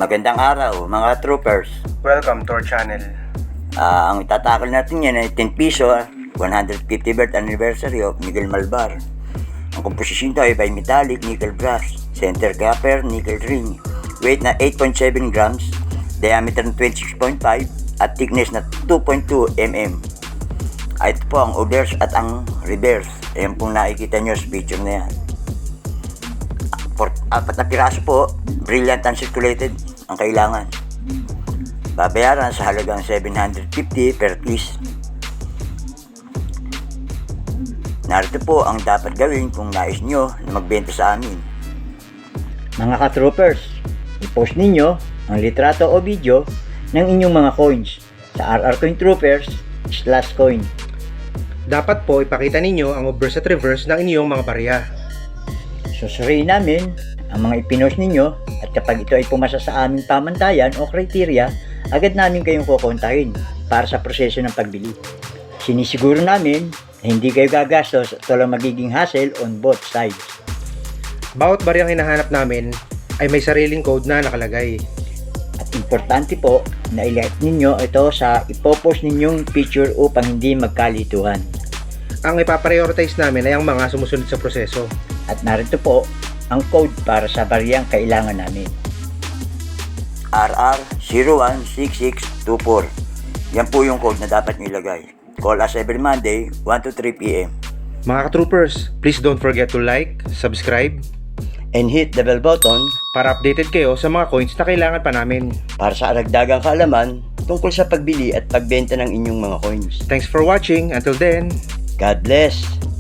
Magandang araw mga troopers. Welcome to our channel. Ang itatakal natin yan ay 10 piso, 150th anniversary of Miguel Malvar. Ang komposisyon ito ay bimetallic nickel brass, center copper nickel ring, weight na 8.7 grams, diameter na 26.5 at thickness na 2.2 mm. Ito po ang obverse at ang reverse. Ayan pong nakikita nyo sa picture na yan. Apat na piraso po, brilliant uncirculated ang kailangan. Babayaran sa halagang 750 per piece. Narito po ang dapat gawin kung nais nyo na magbenta sa amin. Mga ka-troopers, i-post ninyo ang litrato o video ng inyong mga coins sa RR Coin Troopers /coin. Dapat po ipakita ninyo ang obverse at reverse ng inyong mga barya. Susuriin namin ang mga ipinost ninyo at kapag ito ay pumasa sa aming pamantayan o kriteria, agad namin kayong kukontahin para sa proseso ng pagbili. Sinisiguro namin na hindi kayo gagastos at walang magiging hassle on both sides. Bawat baryang hinahanap namin ay may sariling code na nakalagay. At importante po na i-like ninyo ito sa ipopost ninyong picture upang hindi magkalituhan. Ang ipaprioritize namin ay ang mga sumusunod sa proseso. At narito po ang code para sa baryang kailangan namin. RR016624. Yan po yung code na dapat nyo ilagay. Call us every Monday, 1 to 3 p.m. Mga ka-troopers, please don't forget to like, subscribe, And hit the bell button para updated kayo sa mga coins na kailangan pa namin. para sa aragdagang kaalaman tungkol sa pagbili at pagbenta ng inyong mga coins. Thanks for watching. Until then, God bless!